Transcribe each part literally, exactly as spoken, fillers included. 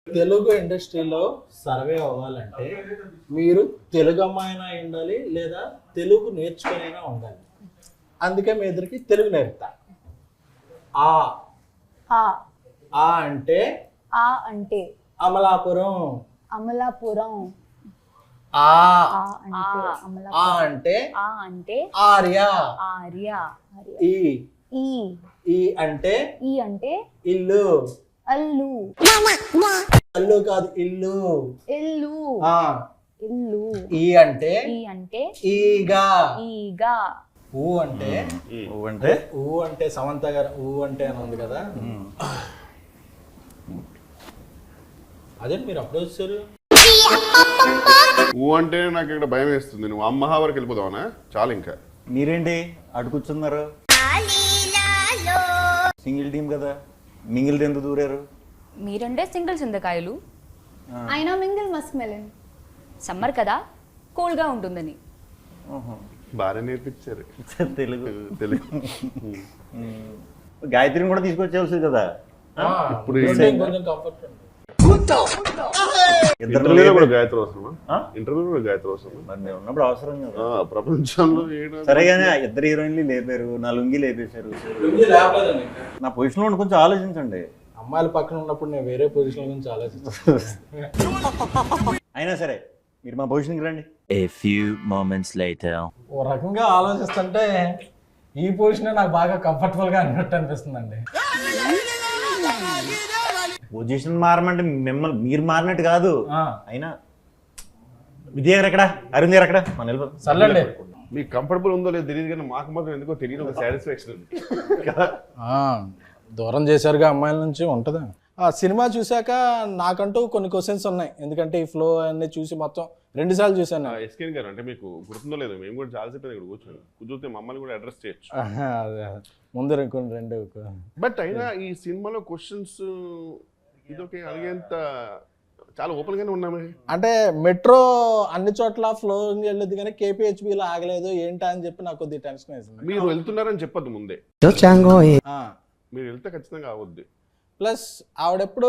తెలుగు ఇండస్ట్రీలో సర్వే అవ్వాలంటే మీరు తెలుగు అమ్మాయినా ఉండాలి లేదా తెలుగు నేర్చుకునైనా ఉండాలి. అందుకే మీ ఇద్దరికి తెలుగు నేర్పుతా. ఆ ఆ ఆ అంటే ఆ అంటే అమలాపురం. అమలాపురం. ఆ ఆ అంటే అమలాపురం. ఆ అంటే ఆ అంటే ఆర్య. ఆర్య. ఆర్య. ఈ ఈ ఈ అంటే ఈ అంటే ఇల్లు. అల్లు. అల్లు కాదు, ఇల్లు. ఇల్లు. ఆ ఇల్లు. ఈ అంటే ఈ అంటే ఈగా. ఈగా. ఊ అంటే ఊ అంటే ఊ అంటే సమంత గారు ఊ అంటే అని ఉంది కదా, అదే మీరు అప్పుడు వచ్చారు. ఊ అంటే నాకు ఇక్కడ భయం వేస్తుంది. నువ్వు అమ్మహా వరకు వెళ్ళిపోదావనా? చాలు ఇంకా. మీరేంటి అటు కూర్చున్నారు? సింగిల్ టీం కదా, మింగిల్ ఎందుకు దూరారు? మీరంటే సింగిల్ చింతకాయలు, అయినా మింగిల్ మస్క్ మెలన్. సమ్మర్ కదా కూల్గా ఉంటుందని. బాగా నేర్పించారు తెలుగు తెలుగు. గాయత్రిని కూడా తీసుకొచ్చేవాల్సింది కదా. ఇప్పుడు కొంచెం కంఫర్ట్ ఉంది. ఇంటర్వ్యూలో కూడా గాయత్రి అవసరమా? ఇంటర్వ్యూలో కూడా గాయత్రి అవసరమా? మరి మేము ఉన్నప్పుడు అవసరం కదా. ప్రపంచంలో ఏడా సరే కానీ ఇద్దరు హీరోయిన్లు లేపారు, నా లుంగి లేపేశారు. నా పొజిషన్లో ఉండి కొంచెం ఆలోచించండి. అమ్మాయిల పక్కన ఉన్నప్పుడు నేను వేరే పొజిషన్ గురించి ఆలోచిస్తాను. అయినా సరే మీరు మా పొజిషన్కి రండి. A few moments later. ఓ రకంగా ఆలోచిస్తుంటే ఈ పొజిషన్ నాకు బాగా కంఫర్టబుల్ గా అన్నట్టు అనిపిస్తుందండి. పొజిషన్ మారమంటే మిమ్మల్ని మీరు మారినట్టు కాదు. ఆ, అయినా విద్య గారు ఎక్కడ, అరుణ్ గారు ఎక్కడ? మన వెళ్ళిపోతాం. సర్లేండి. మీకు కంఫర్టబుల్ ఉందో లేదో తెలియదు కానీ మాకు మాత్రం ఎందుకో తెలియదు, ఒక సాటిస్ఫాక్షన్ ఉంది. ఆ, దూరం చేశారుగా అమ్మాయిల నుంచి ఉంటుందా? ఆ సినిమా చూశాక నాకంటూ కొన్ని క్వశ్చన్స్ ఉన్నాయి, ఎందుకంటే ఈ ఫ్లో అన్ని చూసి మొత్తం రెండు సార్లు చూశాను. ఎస్కేన్ గారు అంటే మీకు గుర్తుందో లేదో, మేము కూడా చాలాసేపు ఇక్కడ కూర్చొని కూర్చొని మమ్మల్ని కూడా అడ్రస్ చేయొచ్చు. ఆహా, అదే. ముందు కొన్ని రెండు. బట్ అయినా ఈ సినిమాలో క్వశ్చన్స్ ఇదొకే అడిగేంత చాలా ఓపెన్ గానే ఉన్నామే. అంటే మెట్రో అన్ని చోట్ల ఫ్లో వెళ్ళదు కానీ కేపీహెచ్బిలో ఆగలేదు ఏంటా అని చెప్పి నాకు కొద్దిగా టెన్షన్ వేసింది. మీరు వెళ్తున్నారని చెప్పొద్దు ముందే, ఆ, మీరు వెళ్తే ఖచ్చితంగా అవద్దు. ప్లస్ ఆవిడెప్పుడు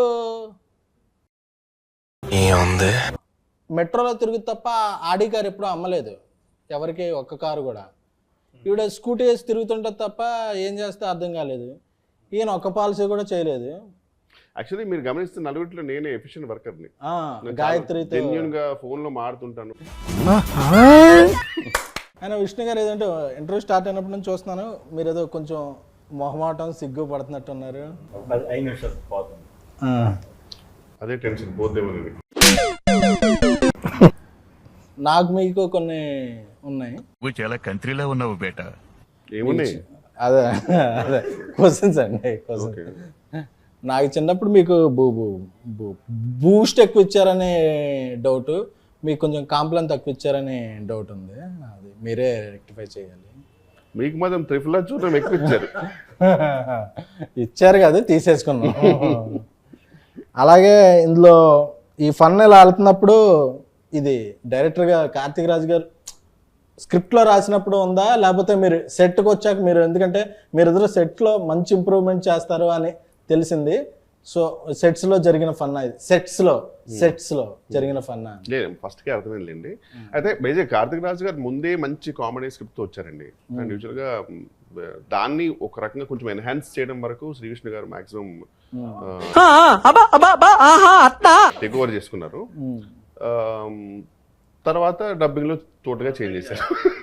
మెట్రోలో తిరుగు తప్ప ఆడి కారు ఎప్పుడు అమ్మలేదు ఎవరికి, ఒక్క కారు కూడా. ఈవిడ స్కూటీ వేసి తిరుగుతుంటుంది తప్ప ఏం చేస్తే అర్థం కాలేదు. ఈయన ఒక్క పాలసీ కూడా చేయలేదు. యాక్చువల్లీ మీరు గమనిస్తే నలుగురిలో నేనే ఎఫిషియెంట్ వర్కర్ని. గాయత్రితో జెన్యూన్ గా ఫోన్ లో మాడుతుంటాను. ఆయన విష్ణు గారు ఏదంటే ఇంటర్వ్యూ స్టార్ట్ అయినప్పటి నుంచి చూస్తున్నాను, మీరు ఏదో కొంచెం మొహమాటం సిగ్గు పడుతున్నట్టున్నారు. ఐదు నిమిషాలు పోతుంది. అదే టెన్షన్ పోతేమో. నాకు మీకు కొన్ని ఉన్నాయి. నువ్వు చాలా కంట్రీలో ఉన్నావు బేట. ఏమున్నాయి? అదే అదే క్వశ్చన్స్ అండి, క్వశ్చన్స్. నాకు చిన్నప్పుడు మీకు బూ బూ బూ బూస్ట్ ఎక్కువ ఇచ్చారనే డౌట్, మీకు కొంచెం కాంప్లైన్ తక్కువ ఇచ్చారనే డౌట్ ఉంది, అది మీరే రెక్టిఫై చేయాలి. మీకు మాత్రం త్రిఫుల్ చూడడం ఎక్కువ ఇచ్చారు. ఇచ్చారు కదా, తీసేసుకున్నాం. అలాగే ఇందులో ఈ ఫన్ ఇలా వెళ్తున్నప్పుడు ఇది డైరెక్టర్గా కార్తీక్ రాజ్ గారు స్క్రిప్ట్లో రాసినప్పుడు ఉందా, లేకపోతే మీరు సెట్కి వచ్చాక మీరు, ఎందుకంటే మీరు ఇద్దరు సెట్లో మంచి ఇంప్రూవ్మెంట్ చేస్తారు అని తెలిసింది, సో సెట్స్లో జరిగిన ఫన్నా ఇది, సెట్స్లో సెట్స్లో జరిగిన ఫన్నా? లేదు, ఫస్ట్కే అర్థమైందండి. అయితే బేజే కార్తిక్ రాజు గారు ముందే మంచి కామెడీ స్క్రిప్ట్తో వచ్చారండి. అండ్ యూజువల్గా దాన్ని ఒక రకంగా కొంచెం ఎన్హాన్స్ చేయడం వరకు శ్రీకృష్ణ గారు మాక్సిమం టేక్ ఓవర్ చేసుకున్నారు. తర్వాత డబ్బింగ్లో టోటల్గా చేంజ్ చేశారు.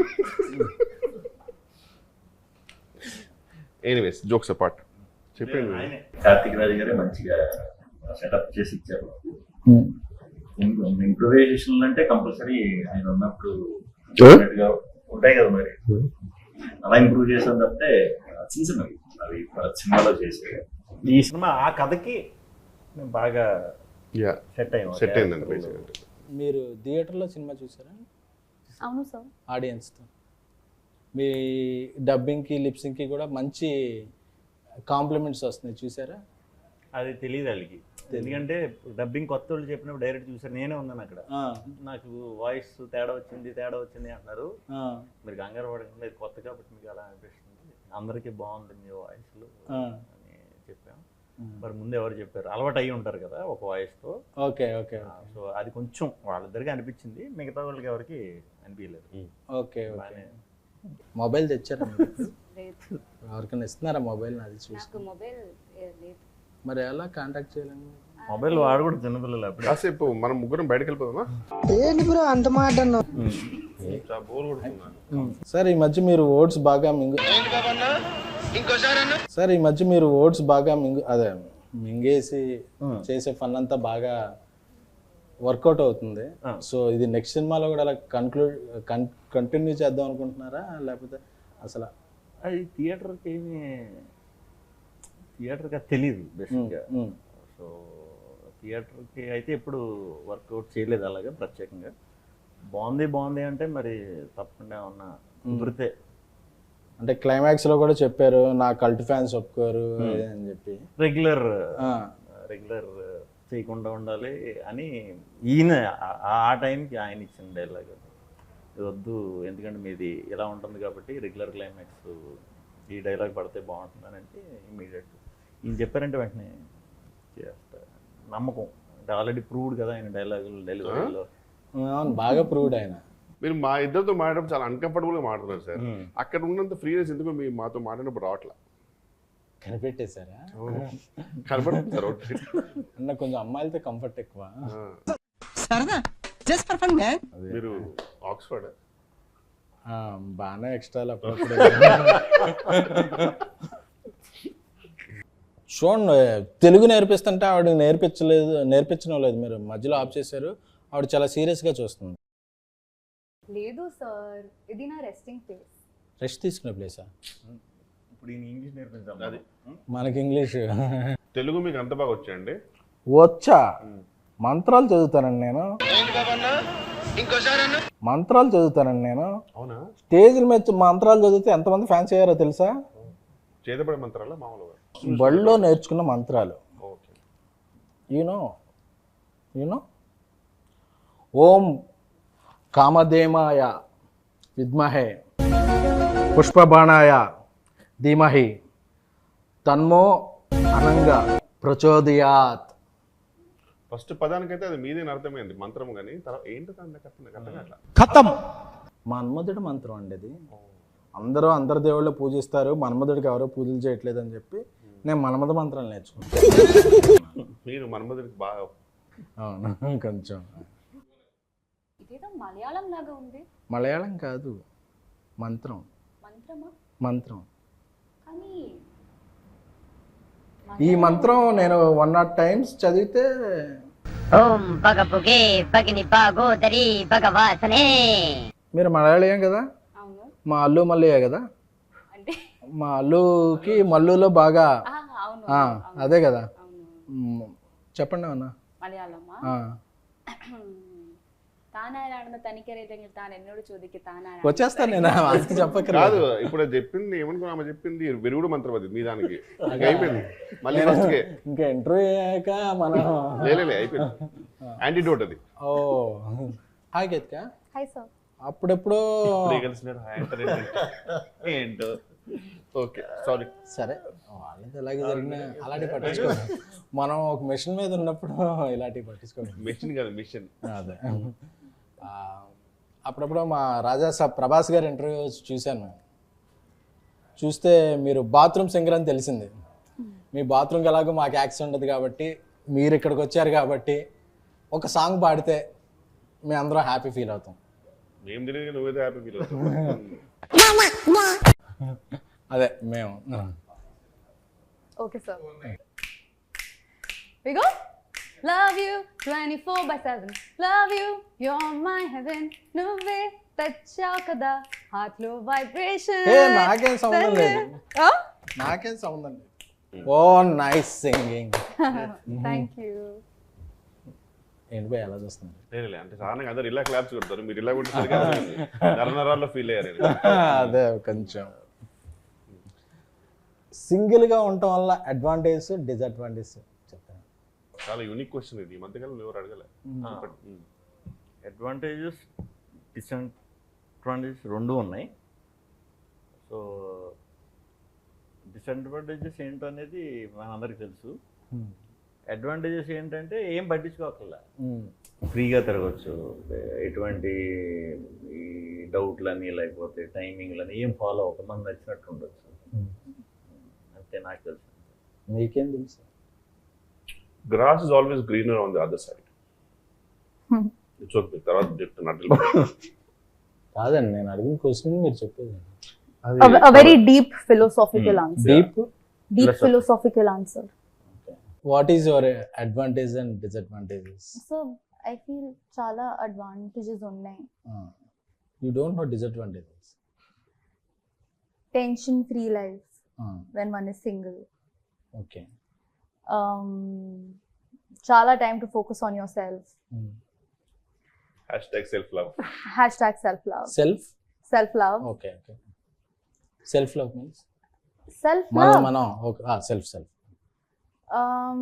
ఎనీవేస్, జోక్స్ అపార్ట్, చెప్పండి. కార్తిక్ రాజు గారే మంచిగా సెటప్ చేసి ఇచ్చారు. ఇంప్రూవైజేషన్ అంటే కంపల్సరీ ఆయన ఉన్నప్పుడు ఉంటాయి కదా, మరి అలా ఇంప్రూవ్ చేసాం తప్పితే చిన్న చిన్నవి అవి సినిమాలో చేసే. ఈ సినిమా ఆ కథకి మేము బాగా సెట్ అయ్యాం, సెట్ అయిందండి. మీరు థియేటర్లో సినిమా చూసారా? అవును సార్. ఆడియన్స్తో మీ డబ్బింగ్కి లిప్సింగ్కి కూడా మంచి కాంప్లిమెంట్స్ వస్తున్నాయి, చూసారా? అది తెలియదు వాళ్ళకి, ఎందుకంటే డబ్బింగ్ కొత్త వాళ్ళు చెప్పినప్పుడు డైరెక్ట్ చూసారు, నేనే ఉన్నాను అక్కడ. నాకు వాయిస్ తేడా వచ్చింది తేడా వచ్చింది అంటున్నారు. మీరు కంగారు పడకండి, కొత్త కాబట్టి మీకు అలా అనిపిస్తుంది, అందరికీ బాగుంది మీ వాయిస్లు అని చెప్పాం. మరి ముందు ఎవరు చెప్పారు, అలవాటు అయ్యి ఉంటారు కదా ఒక వాయిస్తో. ఓకే ఓకే సో అది కొంచెం వాళ్ళిద్దరికి అనిపించింది, మిగతా వాళ్ళకి ఎవరికి అనిపించలేదు. Okay okay. బాగానే. మొబైల్ తెచ్చారా మీరు? లేదు, ఎవరికైనా ఇస్తున్నారా మొబైల్? అది చూసి నాకు మొబైల్ లేదు. మరి ఎలా కాంటాక్ట్ చేయాలని? మొబైల్ వాడు కూడా చిన్నపిల్లలు అప్పుడు. కాసేపు మనం ముగ్గురం బయటకు వెళ్ళిపోదామా? చాలా బోర్ కొడుతున్నా. సార్ ఈ మధ్య మీరు ఓట్స్ బాగా మింగు సార్ ఈ మధ్య మీరు ఓట్స్ బాగా మింగు అదే మింగేసి చేసే ఫన్ అంతా బాగా వర్కౌట్ అవుతుంది. సో ఇది నెక్స్ట్ సినిమాలో కూడా అలా కన్క్లూడ్ కంటిన్యూ చేద్దాం అనుకుంటున్నారా, లేకపోతే అసలు? అది థియేటర్కి ఏమి థియేటర్కి అది తెలియదు బేసిక్గా. సో థియేటర్కి అయితే ఎప్పుడు వర్కౌట్ చేయలేదు అలాగే ప్రత్యేకంగా. బాగుంది బాగుంది అంటే మరి తప్పకుండా ఉన్న కుదిరితే. అంటే క్లైమాక్స్ లో కూడా చెప్పారు నా కల్ట్ ఫ్యాన్స్ ఒప్పుకోరు అని చెప్పి. రెగ్యులర్ రెగ్యులర్ చేయకుండా ఉండాలి అని ఈయన ఆ- ఆ టైంకి ఆయన ఇచ్చిన డైలాగ్ ఇది వద్దు, ఎందుకంటే మీది ఇలా ఉంటుంది కాబట్టి రెగ్యులర్ క్లైమాక్స్ ఈ డైలాగ్ పడితే బాగుంటుందని అంటే ఇమీడియట్ ఈయన చెప్పారంటే వెంటనే చేస్తా. నమ్మకం అంటే ఆల్రెడీ ప్రూవ్డ్ కదా ఆయన డైలాగులు డెలివరీలో. అవును, బాగా ప్రూవ్డ్ ఆయన. మీరు మా ఇద్దరితో మాట్లాడడం చాలా అన్కంఫర్టబుల్ గా మాట్లాడుతున్నారు సార్. అక్కడ ఉన్నంత ఫ్రీనెస్ ఎందుకు మీ మాతో మాట్లాడినప్పుడు రావట్లా? కనిపెట్టేశారా? కనపడుతుంది సార్. అన్న కొంచెం అమ్మాయిలతో కంఫర్ట్ ఎక్కువ. మీరు ఆక్స్ఫర్డ్ ఆ, బాగానే ఎక్స్ట్రాలు అప్పుడప్పుడు. చూడండి, తెలుగు నేర్పిస్తుంటే ఆవిడ నేర్పించలేదు నేర్పించడం లేదు, మీరు మధ్యలో ఆఫ్ చేశారు. ఆవిడ చాలా సీరియస్గా చూస్తుంది. లేదు సార్, ఇది నా రెస్టింగ్ ప్లేస్. రెస్ట్ తీసుకునే ప్లేసా? ఇప్పుడు ఈయన ఇంగ్లీష్ నేర్పించాలి. అది మనకి ఇంగ్లీష్ తెలుగు మీకు అంత బాగా వచ్చాయండి? వచ్చా? మంత్రాలు చదువుతానండి నేను. మంత్రాలు చదువుతానండి నేను. అవునా? స్టేజ్ల మీద మంత్రాలు చదివితే ఎంతమంది ఫ్యాన్స్ అయ్యారో తెలుసా? చేతపడే మంత్రాలా మామూలుగా? బడిలో నేర్చుకున్న మంత్రాలు. ఓకే. యూనో యూనో ఓం కామధేమాయ విద్మహే పుష్పబాణాయ ధీమహి తన్మో అనంగా ప్రచోదయాత్. ఫస్ట్ పదానికైతే అది మీదే అర్థమైంది మంత్రం, కానీ తర్వాత ఏంటో దాని అర్థం అట్లా. ఖతం. మన్మధుడి మంత్రం అండి అది. అందరూ అందరి దేవుళ్ళు పూజిస్తారు, మన్మధుడికి ఎవరో పూజలు చేయట్లేదు అని చెప్పి నేను మన్మధ మంత్రాలు నేర్చుకున్నాను. మీరు మన్మధుడికి బాగా. అవును, కొంచెం. ఇదేదో మలయాళం లాగా ఉంది. మలయాళం కాదు, మంత్రం. మంత్రమా? మంత్రం. కానీ ఈ మంత్రం నేను వన్ నాట్ టైమ్స్ చదివితే ఓం పగపుగే పగిని పాగోదరి భగవాసనే. మీరు మలయాళీయం కదా? అవును. మా అల్లు మల్లయ్య కదా? అంటే మా అల్లుకి మల్లులో బాగా ఆ, అవును ఆ, అదే కదా. అవును. మ్, చెప్పండి అన్న. మలయాళమా? తానారాయణ తనిఖీ తాను ఎన్నోడు చూదికి తానారాయణ వచ్చేస్తాను నేను, అది చెప్పకరా. కాదు, ఇప్పుడు అది చెప్పింది ఏమనుకున్నా, ఆమె చెప్పింది విరుగుడు మంత్రం అది మీ దానికి. ఇంకా అయిపోయింది మళ్ళీ ఫస్ట్కే. ఇంకా ఇంటర్వ్యూ అయ్యాక మనం లేలే అయిపోయింది. యాంటీడోట్ అది. Oh hi Ketika. Hi sir. అప్పుడెప్పుడు ఏంటో. Okay, sorry. సరే, వాళ్ళది ఎలాగే జరిగినా అలాంటివి పట్టించుకోండి. మనం ఒక మిషన్ మీద ఉన్నప్పుడు ఇలాంటివి పట్టించుకోండి. మిషన్ కాదు, మిషన్. అదే. ఆ, అప్పుడప్పుడు మా రాజా సాబ్ ప్రభాస్ గారి ఇంటర్వ్యూ చూశాను. చూస్తే మీరు బాత్రూమ్ సింగర్ అని తెలిసింది. మీ బాత్రూమ్కి ఎలాగో మాకు యాక్సెస్ ఉండదు కాబట్టి, మీరు ఇక్కడికి వచ్చారు కాబట్టి ఒక సాంగ్ పాడితే మేము అందరం హ్యాపీ ఫీల్ అవుతాం. మేము తెలియదు, నువ్వేదో హ్యాపీ ఫీల్ అవుతావు. అదే మేము. Okay sir. We go. Love you twenty-four by seven. Love you, you're my heaven. నువ్వే తెచ్చావు కదా హార్ట్ లో వైబ్రేషన్. ఏ నాకేం సంబంధం లేదు, నాకేం సంబంధం లేదు. Oh nice singing. Thank you. ఏంటి పోయి ఎలా చూస్తుంది? లేలే, అంటే సాధారణంగా అందరు ఇలా క్లాప్స్ కొడతారు, మీరు ఇలా కొట్టేసరికి నరనరాల్లో ఫీల్ అయ్యారు. అదే కొంచెం. సింగిల్గా ఉండటం వల్ల అడ్వాంటేజ్ డిసడ్వాంటేజ్ చెప్తాను. చాలా యూనిక్ క్వశ్చన్ ఇది, ఈ మధ్యకాలం ఎవరు అడగలే. అడ్వాంటేజెస్ డిసడ్వాంటేజెస్ రెండు ఉన్నాయి. సో డిసడ్వాంటేజెస్ ఏంటో అనేది మనందరికీ తెలుసు. అడ్వాంటేజెస్ ఏంటంటే ఏం పట్టించుకోకల్లా, ఫ్రీగా తిరగచ్చు, ఎటువంటి ఈ డౌట్లని లేకపోతే టైమింగ్లని ఏం ఫాలో అవ్వక మనం నచ్చినట్టు ఉండొచ్చు. అంతే నాకు తెలుసు. మీకేం తెలుసు? Grass is always greener on the other side. It's okay. తర్వాత చెప్తున్నట్లు కాదండి, నేను అడిగిన క్వశ్చన్ మీరు చెప్పేది. A, a very deep philosophical answer. Deep. Deep philosophical answer. What is your advantage and disadvantages? So I feel చాలా advantages ఉన్నాయి. You don't know disadvantages. Tension free life when one is single. Okay. Um, చాలా time to focus on yourself. Hashtag self love. Hashtag self love. Self. Self love. Okay okay. Self love means Self మనం love. మనం okay. Self self. Um,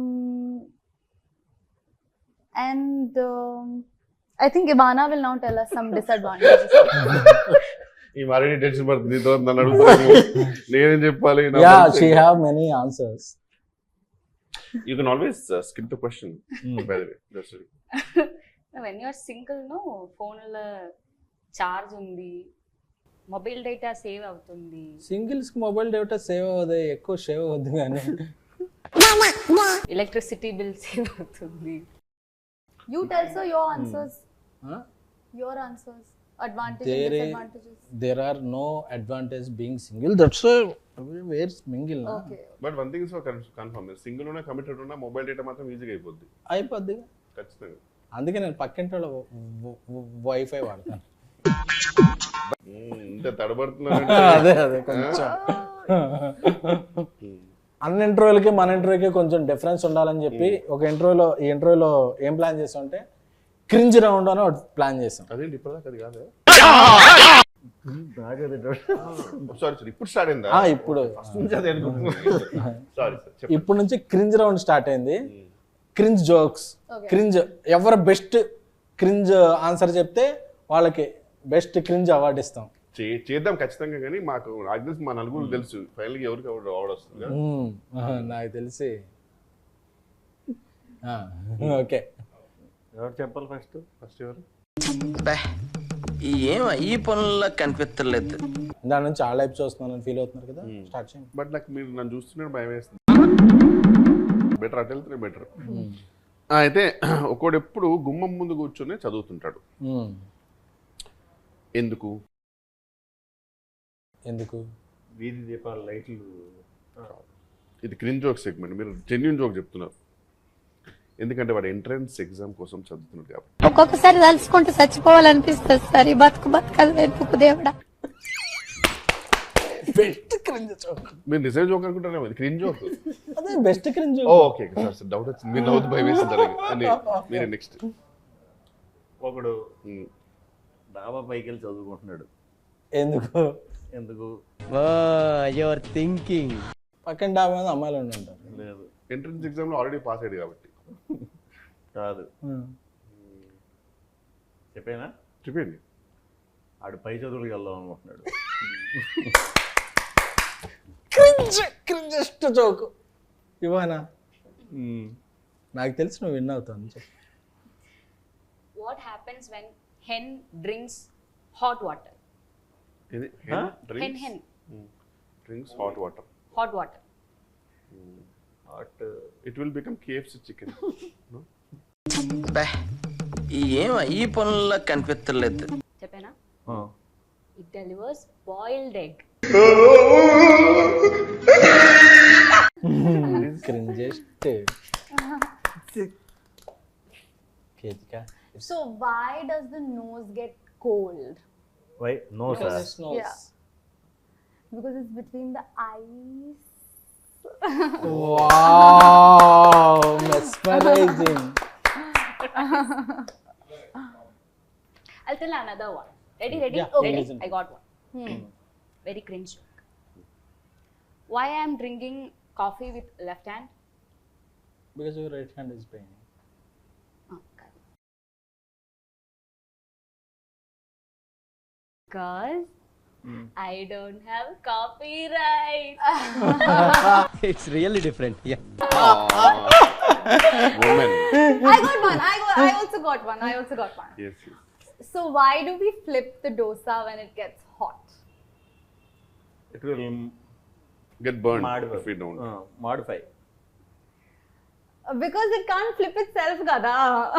and um, I think Ivana will now tell us some disadvantages. ఈ మారేడి tension పడుతుంది. నీతో నన్ను అడుగుతాను, నేనేం చెప్పాలి? Yeah, she have many answers. You can always skip the question by the way. That's it. When you're single no ఫోన్లో charge ఉంది, mobile data save అవుతుంది. సింగిల్స్ కి మొబైల్ డేటా సేవ్ అవ్వదు, ఎక్కువ సేవ్ అవ్వద్దు కానీ ఎలక్ట్రిసిటీ బిల్ సేవ్ అవుతుంది. You tell sir your answers. Huh? Your answers. Advantages There and is- disadvantages. there are no advantage being single. That's why where's mingle na? Okay. But one thing is confirm, single ఉన్నా committed ఉన్నా mobile data మాత్రం ఈజీగా అయిపోద్ది అయిపోద్ది. ఖచ్చితంగా. అందుకే నేను పక్కింటి వాళ్ళ వైఫై వాడతాను. ఇంత తడబడుతున్నా. అదే అదే కొంచెం అన్ని ఇంటర్వ్యూలకి మన ఇంటర్వ్యూకి కొంచెం డిఫరెన్స్ ఉండాలని చెప్పి ఒక ఇంటర్వ్యూలో ఈ ఇంటర్వ్యూలో ఏం ప్లాన్ చేసాం అంటే క్రింజ్ రౌండ్ అని ఒకటి ప్లాన్ చేసాం. అదేంటి ఇప్పటిదాకా అది కాదు. సారీ సార్, ఇప్పుడు స్టార్ట్ అయిందా? ఆ, ఇప్పుడు సారీ సార్. ఇప్పుడు నుంచి క్రింజ్ రౌండ్ స్టార్ట్ అయింది. క్రింజ్ జోక్స్, క్రింజ్ ఎవరు బెస్ట్ క్రింజ్ ఆన్సర్ చెప్తే వాళ్ళకి బెస్ట్ క్రింజ్ అవార్డు ఇస్తాం. చే- చేద్దాం ఖచ్చితంగా, కానీ మాకు నాకు తెలిసి మా నలుగురు తెలుసు ఫైనల్గా ఎవరికి ఎవరు అవార్డు వస్తుంది కదా. మ్మ్. ఆహా, నాకు తెలిసి ఆ, ఓకే. ఎవరు చెప్పాలి ఫస్ట్? ఫస్ట్ ఎవరు? ఏం ఈ పనుల్లో కనిపించలేదు. దాని నుంచి ఆ లైఫ్ చూస్తున్నాను ఫీల్ అవుతున్నారు కదా, స్టార్ట్ చేయండి. బట్ నాకు మీరు నన్ను చూస్తున్నట్టు భయం వేస్తుంది. బెటర్ అటు వెళ్తే బెటర్. అయితే ఒకడు ఎప్పుడు గుమ్మం ముందు కూర్చొని చదువుతుంటాడు. మ్మ్. ఎందుకు? ఎందుకు? వీధి దీపాల లైట్లు. ఇది క్రిన్ జోక్ సెగ్మెంట్, మీరు జెన్యున్ జోక్ చెప్తున్నారు. ఎందుకంటే వాడు ఎంట్రన్స్ ఎగ్జామ్ కోసం చదువుతున్నాడు కాబట్టి. ఒక్కొక్కసారి తలుచుకుంటూ చచ్చిపోవాలనిపిస్తుంది సార్. ఈ బతుకు బతకదు వెతుకు దేవుడా. Best cringe joke. మీరు నిజం జోక్ అనుకుంటారేమో, ఇది క్రిన్ జోక్. అదే best cringe. Okay sir sir, doubt వచ్చింది. మీరు నవ్వుతూ భయం వేసింది. మీరు నెక్స్ట్. ఒకడు డాబా పైకి వెళ్ళి చదువుకుంటున్నాడు. ఎందుకు? ఎందుకు? Your thinking. పక్కన డాబా మీద అమ్మాయిలు ఉండి ఉంటారు. లేదు, ఎంట్రన్స్ ఎగ్జామ్ లో ఆల్రెడీ పాస్ అయ్యాడు కాబట్టి. కాదు. చెప్పేనా? చెప్పండి. ఆడు పై చదువులకు వెళ్దాం అనుకుంటున్నాడు. క్రింజ్ క్రింజెస్ట్ జోక్ ఇవానా? నాకు తెలిసి నువ్వు విన్ అవుతాను. చెప్పు. What happens when hen drinks hot water? ఇది hen hen drinks hot water. Hot water. Hot it will become KFC chicken. ఏం ఈ పనుల్లో కనిపించలేదు. చెప్పేనా? It delivers boiled egg. Cringiest. Ketika. So why does the nose get cold? Why no sir? Yeah. Because it's between the eyes. Wow, mesmerizing. I'll tell another one. Ready, ready? Yeah, Okay, listen. I got one. Hmm. Very cringe joke. Why I am drinking coffee with left hand? Because your right hand is paining. Oh, God. Because I don't have copyright. It's really different. Yeah. Woman. I got one. I got. I also got one. I also got one. Yes, yes. So why do we flip the dosa when it gets hot? It will Get burned modify. if we don't. Uh, modify. Uh, Because it can't flip itself, gada.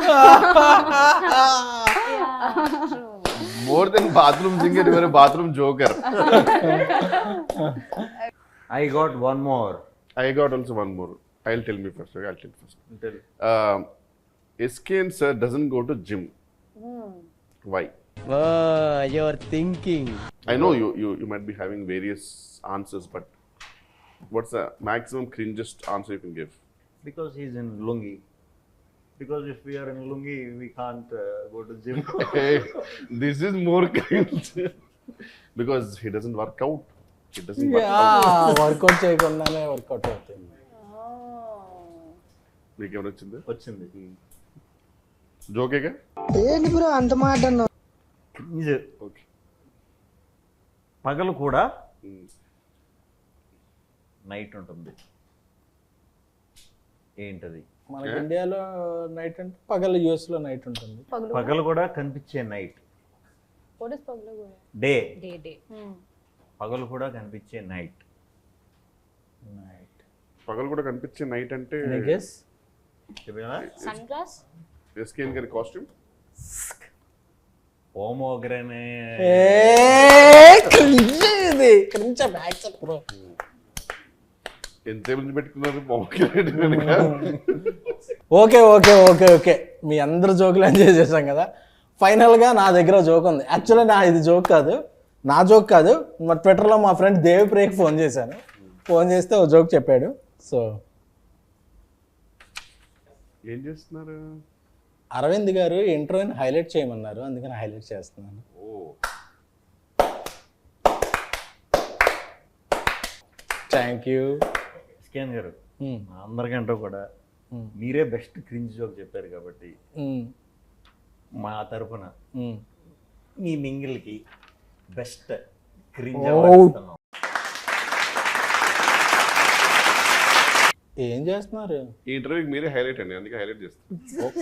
More than bathroom singer, you are a bathroom joker. I got one more. I got also one more. I'll tell me first. Okay, I'll tell first. Tell. Um, S K N sir doesn't go to gym. Why? Oh, you're thinking. I know you, you you might be having various answers, but what's the maximum cringest answer you can give? Because he's in lungi. Because if we are in lungi, we can't uh, go to gym. Hey, this is more cringe. Because he doesn't work out. He doesn't work out. Workout చేయకుండానే workout అవుతుంది. మీకు ఏమైనా వచ్చింది? వచ్చింది. జోకేగా? ఇది okay. పగలు కూడా night ఉంటుంది. ఏంటది? మనకి ఇండియాలో నైట్ అంటే పగలు యూఎస్ లో నైట్ ఉంటుంది. పగలు కూడా కనిపించే night. What is pagla goya? Day. Day, day. పగలు కూడా కనిపించే నైట్. నైట్. పగలు కూడా కనిపించే నైట్ అంటే ఐ గెస్ చెప్పినా? Sunglass? ఎస్కేఎన్ గారి కాస్ట్యూమ్. ఓమోగ్రనే. ఏ క్రింజ్ ఇది. Cringe back bro. ఎంత మంది పెట్టుకున్నారు బాగుంది. ఓకే ఓకే ఓకే ఓకే మీ అందరు జోకులు ఎంజాయ్ చేశాం కదా. ఫైనల్గా నా దగ్గర జోక్ ఉంది. యాక్చువల్లీ నా ఇది జోక్ కాదు, నా జోక్ కాదు. మా ట్విట్టర్లో మా ఫ్రెండ్ దేవిప్రియకి ఫోన్ చేశాను. ఫోన్ చేస్తే ఓ జోక్ చెప్పాడు. సో ఏం చేస్తున్నారు? అరవింద్ గారు ఇంటర్వ్యూని హైలైట్ చేయమన్నారు, అందుకని హైలైట్ చేస్తున్నాను. ఓ థ్యాంక్ యూ. స్కాన్ గారు అందరికంటే కూడా మీరే బెస్ట్ క్రింజ్ జోక్ చెప్పారు కాబట్టి మా తరపున మీ మింగిల్కి బెస్ట్ క్రింజ్ ఏం చేస్తున్నారు? ఈ ఇంటర్వ్యూకి మీరే హైలైట్ అండి, అందుకే హైలైట్ చేస్తాను.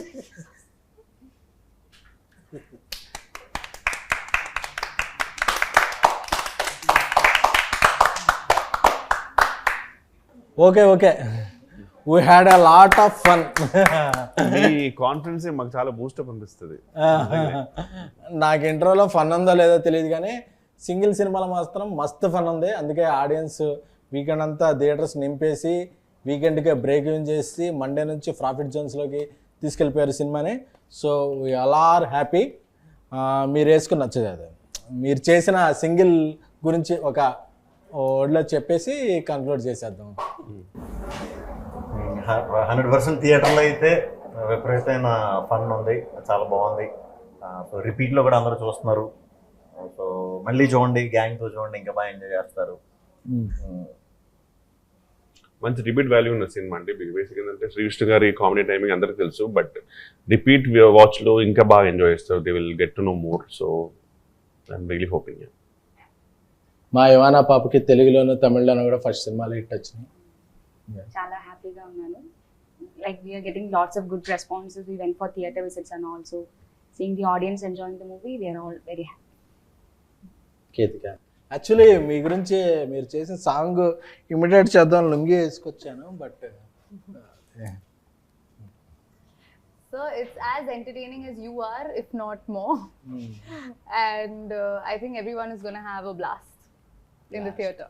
Okay okay we had a lot of fun. మీ కాన్ఫిడెన్స్ మాకు చాలా బూస్టప్ అనిపిస్తుంది. నాకు ఇంట్రోలో ఫన్ ఉందో లేదో తెలియదు కానీ సింగిల్ సినిమాలో మాత్రం మస్తు ఫన్ ఉంది. అందుకే ఆడియన్స్ వీకెండ్ అంతా థియేటర్స్ నింపేసి వీకెండ్కి బ్రేక్ ఇన్ చేసి మండే నుంచి ప్రాఫిట్ జోన్స్లోకి తీసుకెళ్ళిపోయారు సినిమాని. So we all are happy. మీరు వేసుకుని నచ్చదు అది. మీరు చేసిన సింగిల్ గురించి ఒక వర్డ్లో చెప్పేసి కన్క్లూడ్ చేసేద్దాం. హండ్రెడ్ పర్సెంట్ థియేటర్లో అయితే విపరీతమైన ఫన్ ఉంది, చాలా బాగుంది. సో రిపీట్లో కూడా అందరూ చూస్తున్నారు. సో మళ్ళీ చూడండి, గ్యాంగ్తో చూడండి, ఇంకా బాగా ఎంజాయ్ చేస్తారు. మంచి రిపీట్ వాల్యూ ఉన్న సినిమా అండి. బేసిక్ ఏంటంటే శ్రీకృష్ణ గారి కామెడీ టైమింగ్ అందరికీ తెలుసు, బట్ రిపీట్ వాచ్లో ఇంకా బాగా ఎంజాయ్ చేస్తారు. They will get to know more. So I'm really hoping. మా యువానా పాపకి తెలుగులోను తమిళ్లోను కూడా ఫస్ట్ సినిమాలు హిట్ వచ్చినాయి. చాలా హ్యాపీగా ఉన్నాను. Like we're getting lots of good responses. We went for theatre visits and also seeing the audience enjoying the movie. We're all very happy. Ketika actually మీ గురించి మీరు చేసిన సాంగ్ ఇమిడియేట్ చేద్దాం లుంగి వేసుకొచ్చాను, but So it's as entertaining as you are, if not more. And uh, I think everyone is going to have a blast in the theatre.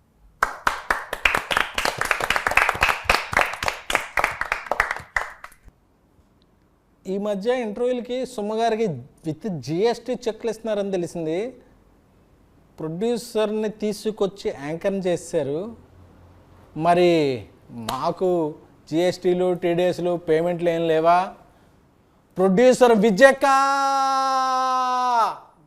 ఈ మధ్య ఇంటర్వ్యూలకి సుమ్మగారికి with GST చెక్లు ఇస్తున్నారని తెలిసింది. ప్రొడ్యూసర్ని తీసుకొచ్చి యాంకర్ని చేశారు. మరి మాకు జిఎస్టీలు టీడీఎస్లు పేమెంట్లు ఏం లేవా? ప్రొడ్యూసర్ విజయకాంత్